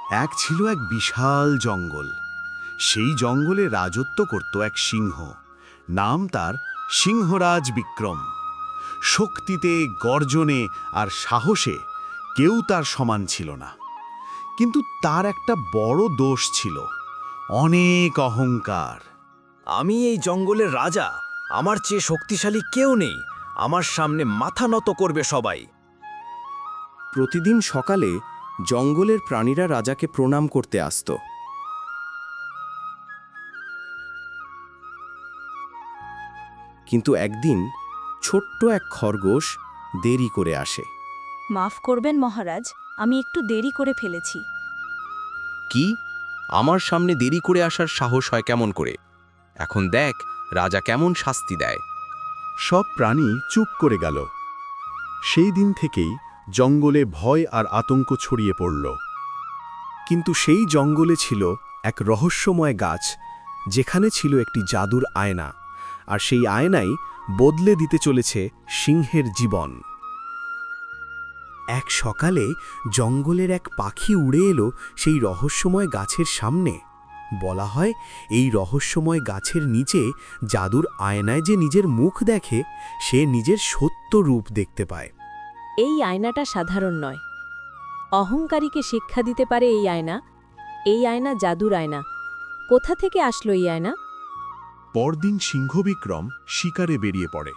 এক ছিল এক বিশাল জঙ্গল। সেই জঙ্গলে রাজত্ব করত এক সিংহ। নাম তার সিংহরাজ বিক্রম। শক্তিতে, গর্জনে আর সাহসে কেউ তার সমান ছিল না। কিন্তু তার একটা বড় দোষ ছিল, অনেক অহংকার। আমি এই জঙ্গলের রাজা, আমার চেয়ে শক্তিশালী কেউ নেই, আমার সামনে মাথা নত করবে সবাই। প্রতিদিন সকালে জঙ্গলের প্রাণীরা রাজাকে প্রণাম করতে আসত। কিন্তু একদিন ছোট্ট এক খরগোশ দেরি করে আসে। মাফ করবেন মহারাজ, আমি একটু দেরি করে ফেলেছি। কি? আমার সামনে দেরি করে আসার সাহস হয় কেমন করে? এখন দেখ রাজা কেমন শাস্তি দেয়। সব প্রাণী চুপ করে গেল। সেই দিন থেকেই জঙ্গলে ভয় আর আতঙ্ক ছড়িয়ে পড়ল। কিন্তু সেই জঙ্গলে ছিল এক রহস্যময় গাছ, যেখানে ছিল একটি জাদুর আয়না, আর সেই আয়নাই বদলে দিতে চলেছে সিংহের জীবন। এক সকালে জঙ্গলের এক পাখি উড়ে এলো সেই রহস্যময় গাছের সামনে। বলা হয় এই রহস্যময় গাছের নিচে জাদুর আয়নায় যে নিজের মুখ দেখে, সে নিজের সত্য রূপ দেখতে পায়। এই আয়নাটা সাধারণ নয়, অহংকারীকে শিক্ষা দিতে পারে এই আয়না। এই আয়না জাদুর আয়না। কোথা থেকে আসলো এই আয়না? পরদিন সিংহ বিক্রম শিকারে বেরিয়ে পড়ে।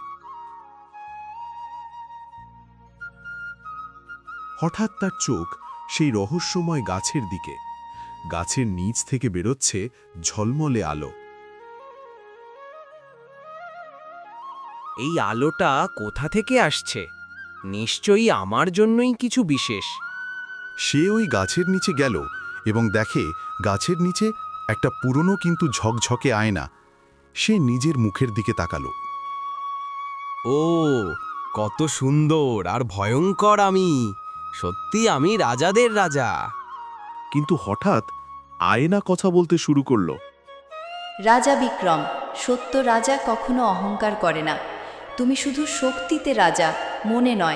হঠাৎ তার চোখ সেই রহস্যময় গাছের দিকে। গাছের নিচ থেকে বেরোচ্ছে ঝলমলে আলো। এই আলোটা কোথা থেকে আসছে? নিশ্চয়ই আমার জন্যই কিছু বিশেষ। সে ওই গাছের নিচে গেল এবং দেখে গাছের নিচে একটা পুরনো কিন্তু ঝকঝকে আয়না। সে নিজের মুখের দিকে তাকালো। ও, কত সুন্দর আর ভয়ঙ্কর আমি! সত্যি আমি রাজাদের রাজা। কিন্তু হঠাৎ আয়না কথা বলতে শুরু করলো। রাজা বিক্রম, সত্য রাজা কখনো অহংকার করে না। তুমি শুধু শক্তিতে রাজা, মনে নয়।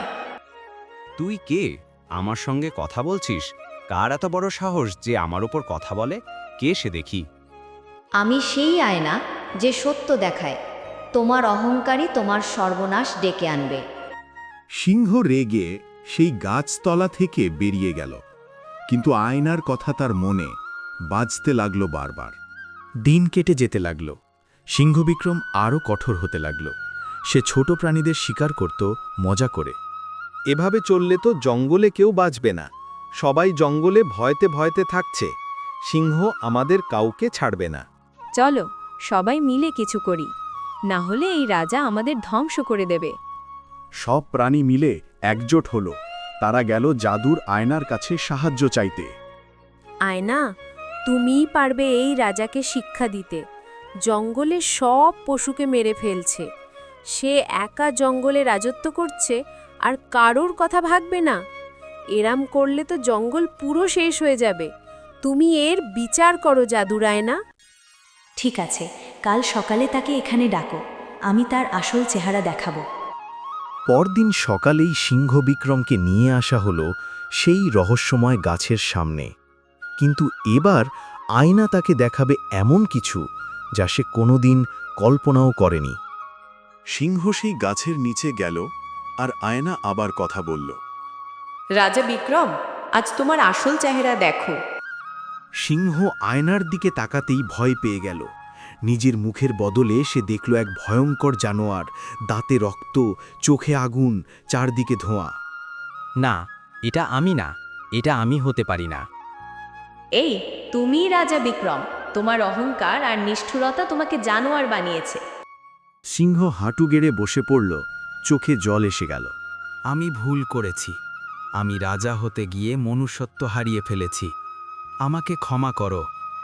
তুই কে? আমার সঙ্গে কথা বলছিস? কার এত বড় সাহস যে আমার উপর কথা বলে? কে সে দেখি? আমি সেই আয়না যে সত্য দেখায়। তোমার অহংকারই তোমার সর্বনাশ ডেকে আনবে। সিংহ রেগে সেই গাছতলা থেকে বেরিয়ে গেল, কিন্তু আয়নার কথা তার মনে বাজতে লাগলো বারবার। দিন কেটে যেতে লাগল। সিংহ বিক্রম আরও কঠোর হতে লাগল। সে ছোট প্রাণীদের শিকার করত মজা করে। এভাবে চললে তো জঙ্গলে কেউ বাঁচবে না। সবাই জঙ্গলে ভয়তে ভয়তে থাকছে। সিংহ আমাদের কাউকে ছাড়বে না। চলো সবাই মিলে কিছু করি, না হলে এই রাজা আমাদের ধ্বংস করে দেবে। সব প্রাণী মিলে একজোট হল। তারা গেল জাদুর আয়নার কাছে সাহায্য চাইতে। আয়না, তুমিই পারবে এই রাজাকে শিক্ষা দিতে। জঙ্গলে সব পশুকে মেরে ফেলছে। সে একা জঙ্গলে রাজত্ব করছে আর কারোর কথা ভাববে না। এরাম করলে তো জঙ্গল পুরো শেষ হয়ে যাবে। তুমি এর বিচার করো জাদুর আয়না। ঠিক আছে, কাল সকালে তাকে এখানে ডাকো। আমি তার আসল চেহারা দেখাবো। পরদিন সকালেই সিংহ বিক্রমকে নিয়ে আসা হলো সেই রহস্যময় গাছের সামনে। কিন্তু এবার আয়না তাকে দেখাবে এমন কিছু যা সে কোনোদিন কল্পনাও করেনি। সিংহ সেই গাছের নিচে গেল আর আয়না আবার কথা বলল। রাজা বিক্রম, আজ তোমার আসল চেহারা দেখো। সিংহ আয়নার দিকে তাকাতেই ভয় পেয়ে গেল। নিজের মুখের বদলে সে দেখল এক ভয়ঙ্কর জানোয়ার, দাঁতে রক্ত, চোখে আগুন, চারদিকে ধোঁয়া। না, এটা আমি না, এটা আমি হতে পারি না। এই, তুমিই রাজা বিক্রম। তোমার অহংকার আর নিষ্ঠুরতা তোমাকে জানোয়ার বানিয়েছে। সিংহ হাঁটু গেড়ে বসে পড়ল, চোখে জল এসে গেল। আমি ভুল করেছি। আমি রাজা হতে গিয়ে মনুষ্যত্ব হারিয়ে ফেলেছি। আমাকে ক্ষমা করো।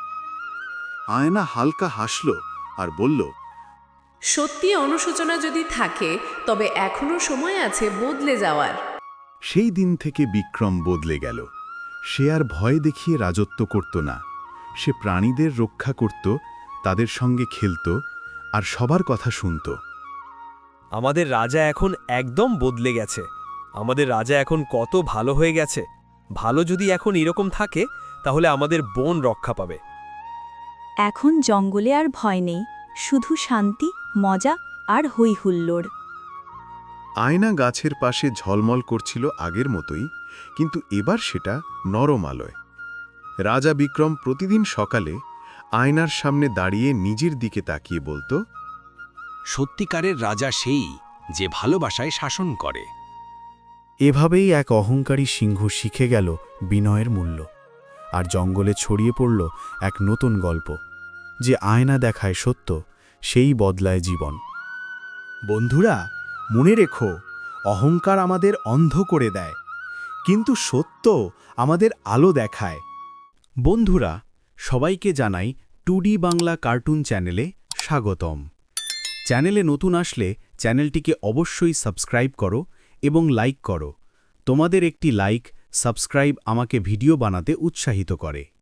আয়না হালকা হাসল আর বলল, সত্যি অনুশোচনা যদি থাকে, তবে এখনো সময় আছে বদলে যাওয়ার। সেই দিন থেকে বিক্রম বদলে গেল। সে আর ভয় দেখিয়ে রাজত্ব করত না। সে প্রাণীদের রক্ষা করত, তাদের সঙ্গে খেলত আর সবার কথা শুনত। আমাদের রাজা এখন একদম বদলে গেছে। আমাদের রাজা এখন কত ভালো হয়ে গেছে। ভালো যদি এখন এরকম থাকে, তাহলে আমাদের বন রক্ষা পাবে। এখন জঙ্গলে আর ভয় নেই, শুধু শান্তি, মজা আর হই হুল্লোড়। আয়না গাছের পাশে ঝলমল করছিল আগের মতোই, কিন্তু এবার সেটা নরম আলোয়। রাজা বিক্রম প্রতিদিন সকালে আয়নার সামনে দাঁড়িয়ে নিজের দিকে তাকিয়ে বলতো, সত্যিকারের রাজা সেই যে ভালোবাসায় শাসন করে। এভাবেই এক অহংকারী সিংহ শিখে গেল বিনয়ের মূল্য, আর জঙ্গলে ছড়িয়ে পড়ল এক নতুন গল্প, যে আয়না দেখায় সত্য, সেই বদলায় জীবন। বন্ধুরা, মনে রেখো, অহংকার আমাদের অন্ধ করে দেয়, কিন্তু সত্য আমাদের আলো দেখায়। বন্ধুরা, সবাইকে জানাই 2D বাংলা কার্টুন চ্যানেলে স্বাগতম। চ্যানেলে নতুন আসলে চ্যানেলটিকে অবশ্যই সাবস্ক্রাইব করো এবং লাইক করো। তোমাদের একটি লাইক, সাবস্ক্রাইব আমাকে ভিডিও বানাতে উৎসাহিত করে।